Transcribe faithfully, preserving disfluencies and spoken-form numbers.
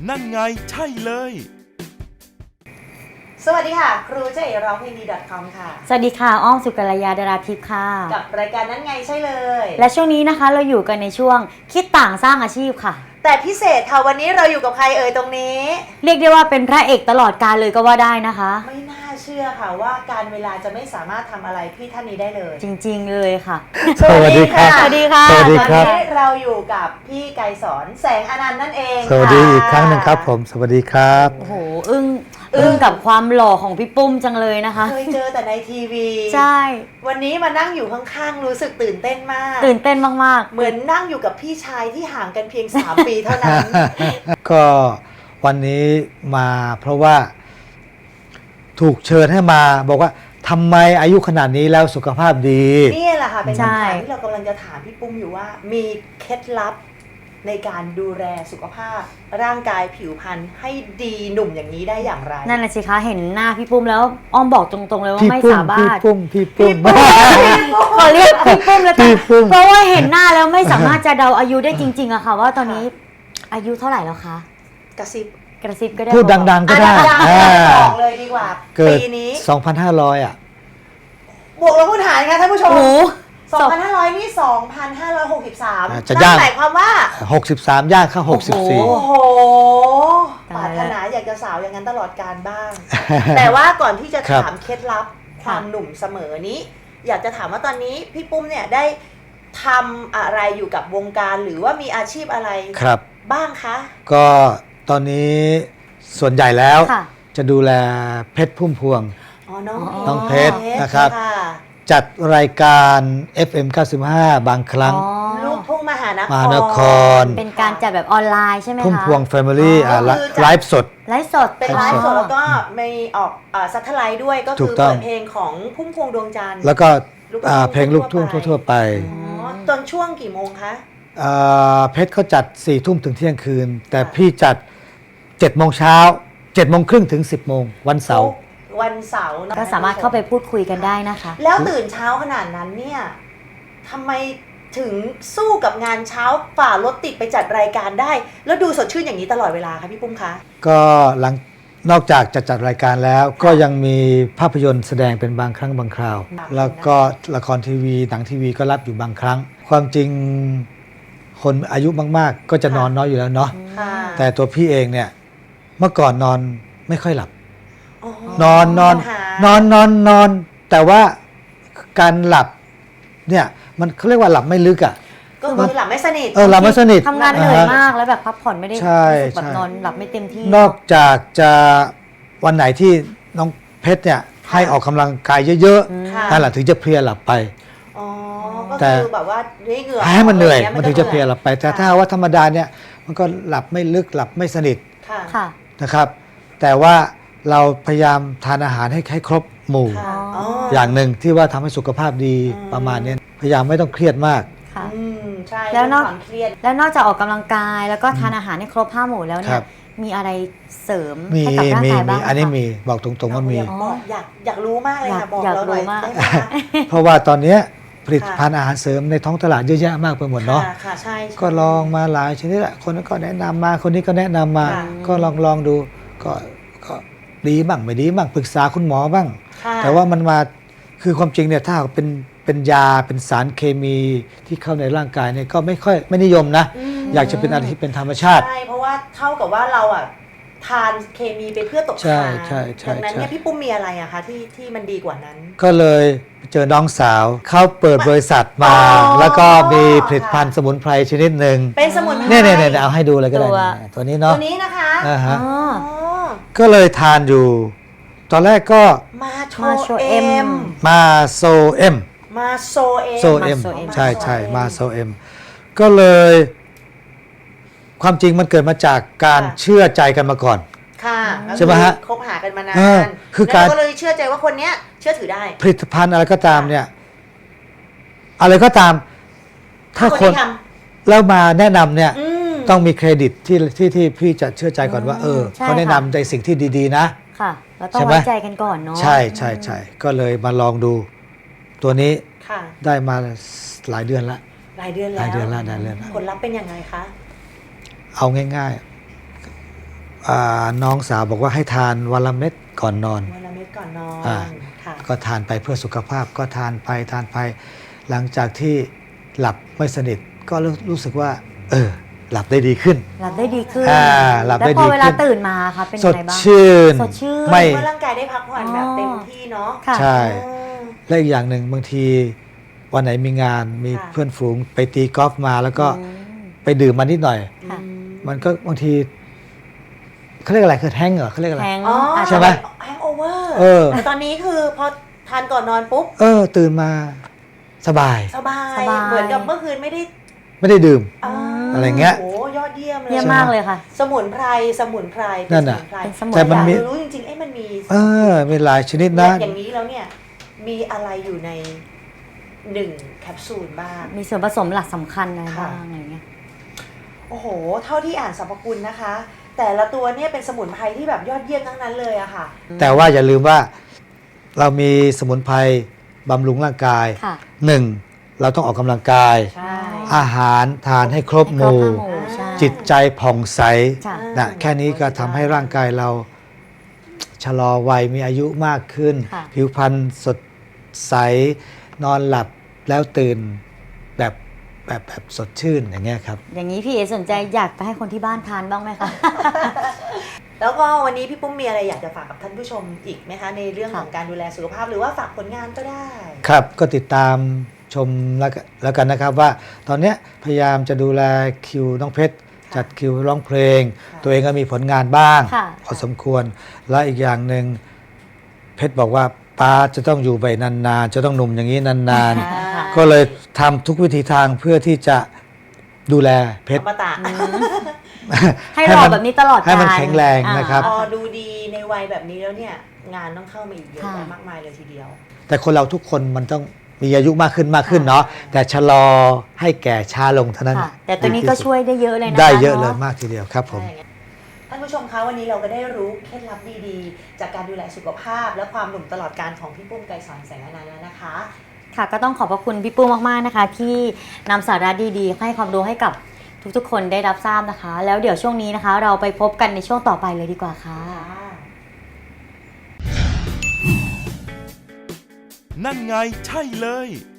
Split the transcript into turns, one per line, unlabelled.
นั่นไงใช่เลย
สวัสดีค่ะครูเจ๊ร้องเพลงดี .com ค่ะ
สวัสดีค่ะอ้อมสุกัลยาดาราทิพย์ค่ะ
กับรายการนั้นไงใช่เลย
และช่วงนี้นะคะเราอยู่กันในช่วงคิดต่างสร้างอาชีพค่ะ
แต่พิเศษค่ะวันนี้เราอยู่กับใครเอ่ยตรงนี้
เรียกได้ว่าเป็นพระเอกตลอดกาลเลยก็ว่าได้นะคะ
ไม่น่าเชื่อค่ะว่าการเวลาจะไม่สามารถทำอะไรพี่ท่านนี้ได้เลย
จริงๆเลยค่ะ
สวัสดีค่ะ
สวัสดีค่ะ
ตอนนี้เราอยู่กับพี่ไกรสอนแสงอนันต์นั่นเอง
สวัสดีอีกครั้งหนึ่งครับผมสวัสดีครับ
โอ้โหอึ้งอึ้งกับความหล่อของพี่ปุ้มจังเลยนะคะ
เคยเจอแต่ในทีวี
ใช่
วันนี้มานั่งอยู่ข้างๆรู้สึกตื่นเต้นมาก
ตื่นเต้นมาก
ๆเหมือนนั่งอยู่กับพี่ชายที่ห่างกันเพียงสามปีเท่านั้น
ก็วันนี้มาเพราะว่าถูกเชิญให้มาบอกว่าทำไมอายุขนาดนี้แล้วสุขภาพดี
นี่แหละค่ะเป็นคำถามที่เรากำลังจะถามพี่ปุ้มอยู่ว่ามีเคล็ดลับในการดูแลสุขภาพร่างกายผิวพรรณให้ดีหนุ่มอย่างนี้ได้อย่างไร
นั่นแหละสิคะเห็นหน้าพี่ปุ้มแล้วอ้อมบอกตรงๆเลยว่าไม่สามารถ
พี่ปุ้มพี่ปุ้ม
ขอเรียกพี่ปุ้มแล้วกันเพราะว่าเห็นหน้าแล้วไม่สามารถจะเดาอายุได้จริงๆอะค่ะว่าตอนนี้อายุเท่าไหร่แล้วคะ
กระซิบ
กระซิบก็ได้
พูดดังๆก็ได้
บอกเลยดีกว่าปีนี้
สองพันห้าร้อยอ่ะ
บวกลบคูณหารค่ะท่านผู้ชมสองพันห้าร้อยนี่สองพันห้าร้อยหกสิบสาม
จะย่าง
หมายความว่า
หกสิบสามย่างเข้าหกสิบสี่
โอ้โหปรารถนาอยากจะสาวอย่างนั้นตลอดการบ้างแต่ว่าก่อนที่จะถามเคล็ดลับความหนุ่มเสมอนี้อยากจะถามว่าตอนนี้พี่ปุ้มเนี่ยได้ทำอะไรอยู่กับวงการหรือว่ามีอาชีพอะไร
ครับ
บ้างคะ
ก็ตอนนี้ส่วนใหญ่แล้วจะดูแลเพชรพุ่มพวงน้องเพชรนะครับจัดรายการ เอฟ เอ็ม เก้าสิบห้า บางครั้ง
ลูกทุ่งมหานคร
มหานคร
เป็นการจัดแบบออนไลน์ใช่ไหมคะ
พุ่มพวงแฟมิลี่ไลฟ์สด
ไลฟ์สด
เป็นไลฟ์สดแล้วก็มีออกซัตเทอร์ไลท์ด้วยก็คือเปิดเพลงของพุ่มพวงดวงจันทร์
แล้วก็เพลงลูกทุ่งทั่วไป
ตอนช่วงกี่โมงคะ
เพชรเขาจัดสี่ทุ่มถึงเที่ยงคืนแต่พี่จัดเจ็ดโมงเช้าเจ็ดโมงครึ่งถึงสิบโมงวันเสาร์
วันเสาร์
ก็สามารถเข้าไปพูดคุยกันได้นะคะ
แล้วตื่นเช้าขนาดนั้นเนี่ยทำไมถึงสู้กับงานเช้าฝ่ารถติดไปจัดรายการได้แล้วดูสดชื่นอย่างนี้ตลอดเวลาคะพี่ปุ้มคะ
ก็หลังนอกจากจะจัดรายการแล้วก็ยังมีภาพยนตร์แสดงเป็นบางครั้งบางคราวแล้วก็ละครทีวีหนังทีวีก็รับอยู่บางครั้งความจริงคนอายุมากๆก็จะนอนน้อยอยู่แล้วเนาะแต่ตัวพี่เองเนี่ยเมื่อก่อนนอนไม่ค่อยหลับนอนนอนนอนนอนนอนแต่ว่าการหลับเนี่ยมันเขาเรียกว่าหลับไม่ลึกอ่ะ
ก็คือหลับไม่สนิท
เออหลับไม่สนิท
ทำงานเหนื่อยมากแล้วแบบพักผ่อนไม่ได้แบบนอนหลับไม่เต็มที่
นอกจากจะวันไหนที่น้องเพชรเนี่ยให้ออกกำลังกายเยอะๆนั่นแหละถึงจะเพลียหลับไป
อ๋อก็คือแบบว่าเหงื่อ
ให้มันเหนื่อยมันถึงจะเพลียหลับไปแต่ถ้าว่าธรรมดาเนี่ยมันก็หลับไม่ลึกหลับไม่สนิทนะครับแต่ว่าเราพยายามทานอาหารให้ให้ครบหมู่อย่างหนึ่งที่ว่าทำให้สุขภาพดีประมาณนี้พยายามไม่ต้องเครียดมาก
แล้วนอกแล้วนอกจากออกกำลังกายแล้วก็ทานอาหารให้ครบห้าหมู่แล้วเนี่ยมีอะไรเสริมให้กับร่างกายบ้าง
อันนี้มีบอกตรงๆว่ามี
อยากอยากรู้มากเลยค่ะบอกเราหน่อยได้ไหม
เพราะว่าตอนนี้ผลิตภัณฑ์อาหารเสริมในท้องตลาดเยอะแยะมากไปหมดเนาะก็ลองมาหลายชนิดแหละคนนั้นก็แนะนำมาคนนี้ก็แนะนำมาก็ลองลองดูก็ก็ดีบ้างไม่ดีบ้างปรึกษาคุณหมอบ้างแต่ว่ามันมาคือความจริงเนี่ยถ้าเป็นเป็นยาเป็นสารเคมีที่เข้าในร่างกายเนี่ยก็ไม่ค่อยไม่นิยมนะอยากจะเป็นอะไรที่เป็นธรรมชาติ
ใช่เพราะว่าเท่ากับว่าเราอ่ะทานเคมีไปเพื่อตกค้างดังนั้นเนี่ยพี่ปุ้มมีอะไรอะคะที่ที่มันดีกว่านั้น
ก็เลยเจอน้องสาวเขาเปิดบริษัทมาแล้วก็มีผลิตภัณฑ์สมุนไพรชนิดหนึ่ง
เป็นสมุนไพร
เนี่ยเนี่ยเอาให้ดูเลยก็ได้ตัวนี้เนาะ
ตัวนี้นะคะ
อ่าฮะก็เลยทานอยู่ตอนแรกก็
มาโชเอ็ม
มาโซเอ็ม
มาโซเอ็ม
โซเอ็มใช่ใช่มาโซเอ็มก็เลยความจริงมันเกิดมาจากการเชื่อใจกันมาก่อน
ค่ะ
ใช่ไหมฮะ
คบหากันมานานคือการก็เลยเชื่อใจว่าคนเนี้ยเชื่อถือได้
ผลิตภัณฑ์อะไรก็ตามเนี่ยอะไรก็ตามถ้าคนแล้วมาแนะนำเนี่ยต้องมีเครดิตที่ที่ที่พี่จะเชื่อใจก่อนว่าเออเขาแนะนำในสิ่งที่ดีๆนะ
ค่ะเราต้องไว้ใจกันก่อนเนาะ
ใช่ใช่ใช่ก็เลยมาลองดูตัวนี้ได้มาหลายเดือนละ
หลายเดือนแล้ว
หลายเดือนละหลายเดือนละ
ผลลัพธ์เป็นยังไงคะ
เอาง่ายๆอ่าน้องสาวบอกว่าให้ทานวันละเม็ดก่อนนอน
วันละเม็ดก่อนนอน
อ่า
ค่ะ
ก็ทานไปเพื่อสุขภาพก็ทานไปทานไป หลังจากที่หลับไม่สนิทก็รู้รู้สึกว่า เออ หลับได้ดีขึ้น
หลับได้ดีขึ้น
อ่าหลับได้
แล้วพ
ดี
อ
ขึ้น
เวลาตื่นมาค่ะเป็น
ส
ยัง
ด
ไงบ้าง
ชื่น
สดชื่น
ไม่
เมื่อร่างกายได้พักผ่อนแบบเต็มที่เนาะ
ค่ะ
ใช่
อืม
และอีกอย่างหนึ่งบางทีวันไหนมีงานมี
ค่ะ
เพื่อนฝูงไปตีกอล์ฟมาแล้วก็
อืม
ไปดื่มมานิดหน่อย
ค่ะ
อืม
มันก็บางทีเขาเรียกอะไรคือแห้งก์เหรอเขาเรียกอะไร
แทง
อ๋อ
อาจ
ใช่
จะ
ไหม
แฮงโอเวอร์
เออ
แต่ตอนนี้คือพอทานก่อนนอนปุ๊บ
เออ ตื่นมาสบาย
สบาย
สบาย
เหมือนกับเมื่อคืนไม่ได้
ไม่ได้ดื่ม
า
อะไรเงี้ย
โอ้โหยอดเยี่ยมเลย
เยี่ยมมากเลยค่ะ
สมุนไพรสมุนไพร
นั่นน่ะ
เป็สมุไพร
เป็นสมุน
แต่มันมี
อยากรู้จริงๆเอ้มันมี
เออมีหลายชนิดนะ
อย่างนี้แล้วเนี่ยมีอะไรอยู่ในหนึ่งแคปซูลบ้าง
มีส่วนผสมหลักสำคัญอะไร
ค่ะ
บ้างอะไรเงี้ย
โอ้โห เท่าที่อ่านสรรพคุณนะคะ แต่ละตัวเนี่ยเป็นสมุนไพรที่แบบยอดเยี่ยมทั้งนั้นเลยอะค่ะ
แต่ว่าอย่าลืมว่าเรามีสมุนไพรบำรุงร่างกาย
ค่ะ
หนึ่งเราต้องออกกำลังกาย
ใช่
อาหารทานให้ครบ
ให้
ห
ครบ
มู่
ห้าหมู่ใช่
จิตใจผ่องใส
ค่ะ
นะแค่นี้ก็ทำให้ร่างกายเราชะลอวัยมีอายุมากขึ้น
ค่ะ
ผิวพรรณสดใส นอนหลับแล้วตื่นแบบแบบแบบสดชื่นอย่างเงี้ยครับ
อย่างนี้พี่เอสนใจอยากไปให้คนที่บ้านทานบ้างไหมคะ
แล้วก็วันนี้พี่ปุ้มมีอะไรอยากจะฝากกับท่านผู้ชมอีกไหมคะในเรื่อง
ค่ะ
ของการดูแลสุขภาพหรือว่าฝากผลงานก็ได้
ครับก็ติดตามชมแล้วกันแล้วกันนะครับว่า ตอนเนี้ยพยายามจะดูแลคิวน้องเพชร จัดคิวร้องเพลง
ค่ะ
ตัวเองก็มีผลงานบ้าง
ค่ะ
พอสมควร และอีกอย่างหนึ่งเพชรบอกว่าป้าจะต้องอยู่ไปนานๆ จะต้องหนุ่มอย่างนี้นาน
อ่า
ๆ ก็เลยทำทุกวิธีทางเพื่อที่จะดูแลเพช
อ
ร
มตะ
ให้รอแบบนี้ตลอด
ให้มัน
กาล
แข็งแรงนะครับ
พอดูดีในวัยแบบนี้แล้วเนี่ย งานต้องเข้ามาอีกเยอะ
ค่ะ
แยะมากมายเลยทีเดียว
แต่คนเราทุกคนมันต้องมีอายุมากขึ้นมากขึ้นเนาะแต่ชะลอให้แก่ช้าลงเท่านั้น
ค่ะ แต่ตัวนี้ก็ช่วยได้เยอะเลยนะคะ
ได้เยอะเลย
นา
มากทีเดียวครับผม
ใช่งั้นท่านผู้ชมคะวันนี้เราก็ได้รู้เคล็ดลับดีๆ จากการดูแลสุขภาพ และความหนุ่มตลอดการของพี่ปุ้มไกรสอนแสงอนันต์แล้วนะคะ
ค่ะก็ต้องขอบพระคุณพี่ปุ้มมากๆนะคะ ที่นำสาระดีๆ ให้ความรู้ให้กับทุกๆ คนได้รับทราบนะคะ แล้วเดี๋ยวช่วงนี้นะคะ เราไปพบกันในช่วงต่อไปเลยดีกว่าค่ะ
นั่นไงใช่เลย